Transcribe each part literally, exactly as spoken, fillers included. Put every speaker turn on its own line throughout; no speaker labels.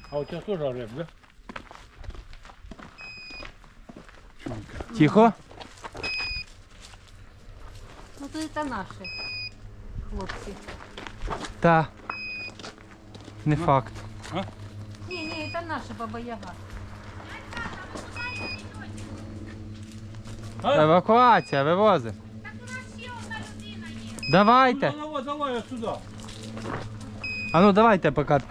А у тебя тоже орет, да?
Тихо.
Ну то це наші хлопці.
Та. Не факт.
А?
Ні, ні, це наша Баба Яга.
А?
Евакуація, вивозимо. Давайте.
Ну, давай, давай я сюда.
А ну давайте поки.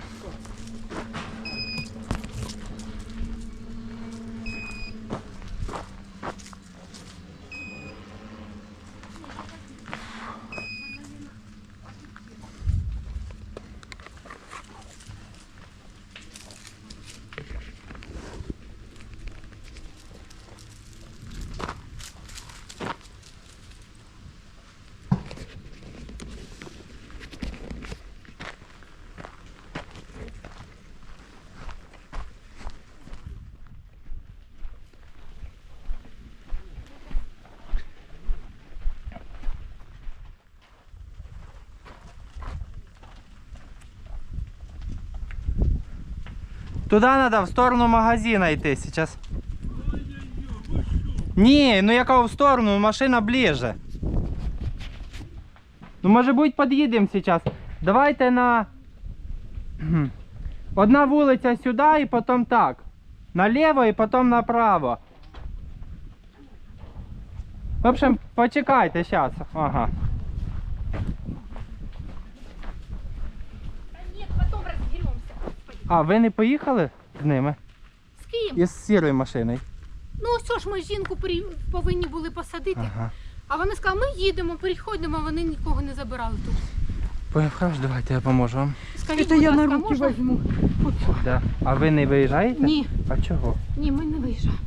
Туда надо, в сторону магазина йти сейчас. Ні, ну яка в сторону, машина ближе. Ну може бути під'їдемо зараз. Давайте на... Одна вулиця сюди і потім так. Наліво і потім направо. В общем, почекайте зараз. Ага.
Ні, потім розберемося.
А, ви не поїхали з ними?
З ким?
Із сірою машиною?
Ну ось ж ми жінку при- повинні були посадити.
Ага.
А вони сказали, ми їдемо, приходимо, а вони нікого не забирали тут.
Понял, хорошо, давайте я поможу вам.
Скажіть, будь ласка, можна?
Да. А ви не виїжджаєте?
Ні,
А чого?
ні, ми не виїжджаємо.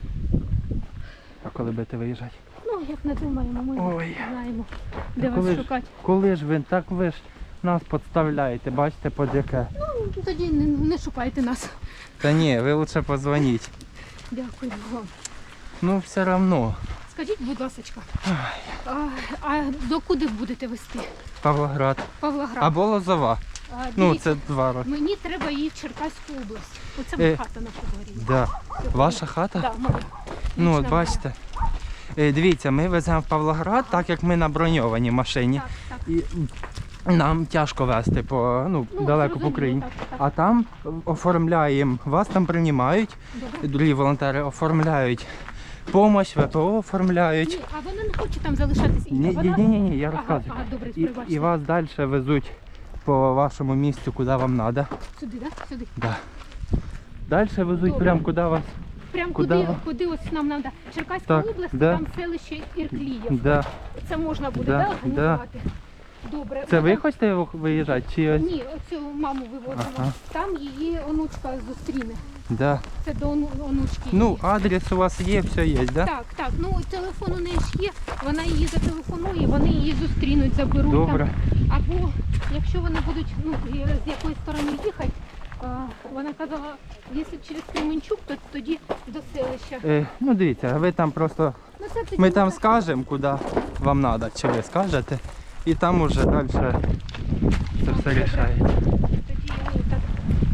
А коли будете виїжджати?
Ну, як не думаємо, ми
Ой.
знаємо, де
коли
вас
ж-
шукати.
Коли ж ви так ви ж нас підставляєте, бачите, під яке?
Ну, тоді не, не шукайте нас.
Та ні, ви лучше позвоніть.
Дякую вам.
Ну все одно.
Скажіть, будь ласка, а, а до куди будете вести?
Павлоград.
Павлоград.
Або Лозова.
А,
Ну
дивіться,
це два роки.
мені треба її в Черкаську область. Оце
Е,
хата наша горіла.
Да. Ваша хата?
Да, моя.
Ну
Лічна
от бачите. Е, Дивіться, ми веземо в Павлоград, так як ми на броньованій машині.
Так, так.
І нам тяжко везти по, ну,
Ну,
далеко по
зрозуміло,
Україні.
так, так.
А там оформляємо, вас там приймають,
Добре.
другі волонтери оформляють допомогу, ВПО оформляють.
Ні, а вони не хочуть там залишатися. І
Ні,
вона-
ні, ні, ні, я
Ага,
розказую.
ага, добре,
І,
пробачте.
і вас далі везуть по вашому місцю, куди вам треба.
Сюди, так? Да? Сюди.
Да. Далі везуть
Добре.
прямо куди вас.
Прям
Куди
куди,
ви?
куди ось нам треба. Черкаська
Так,
область,
да.
там селище Ірклієв.
Да.
Це можна буде,
Да,
да, організувати? Добре.
Це ви
Вона-
хочете виїжджати? Чи ось?
Ні, оцю маму вивозимо.
Ага.
Там її онучка зустріне.
Да.
Це до ону- онучки.
Ну,
її.
адрес у вас є, все є, да?
Так, так. Ну телефон у неї ж є, вона її зателефонує, вони її зустрінуть, заберуть
Добре.
там. Або якщо вони будуть, ну з якої сторони їхати, а, вона казала, якщо через Кременчук, то тоді до селища.
Е, ну дивіться, ви там просто.
Ну, це тоді
Ми там
можна-
скажемо, куди вам треба, чи ви скажете. І там уже далі це все рішається.
Тоді ну, так.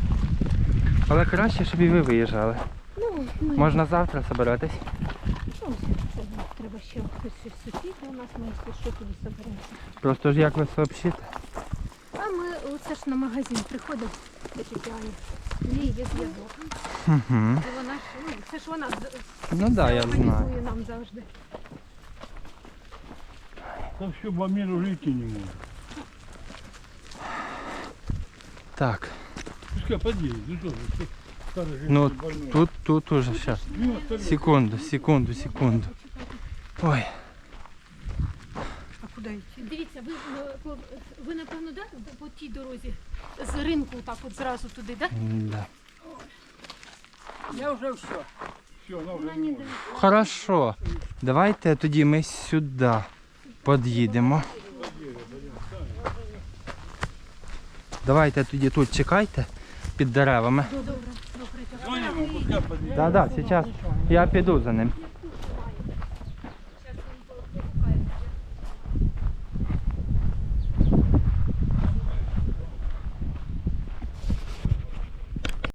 Але краще, щоб і ви виїжджали.
Ну, ми,
Можна завтра збиратись.
ну, це, треба ще хтось щось сусіди у нас, ми якщо що тоді соберемося.
Просто ж як ви сообщите.
А ми оце ж на магазин приходимо до Тетяни. В неї є зв'язок.
Угу.
І вона ж, ну, це ж вона з-
Ну так, да, я
все
знаю.
організує нам завжди.
Там все по миру жить не может.
Так,
Пускай подъедет, ну что, что старый женщина
ну
больной.
тут, тут уже зараз.
Ну, остальные-
Секунду, секунду, секунду. Ой,
А куди йти? Дивіться, ви, е, по- ви напевно, да, по тій дорозі з ринку так от зразу туди, да?
да.
Я уже все. Все, она уже не может.
Хорошо. Давайте тоді ми сюди під'їдемо. Давайте тоді тут чекайте під деревами.
Добре, добре.
Звоним ему, пускай подъедет.
Так, так, зараз я піду за ним.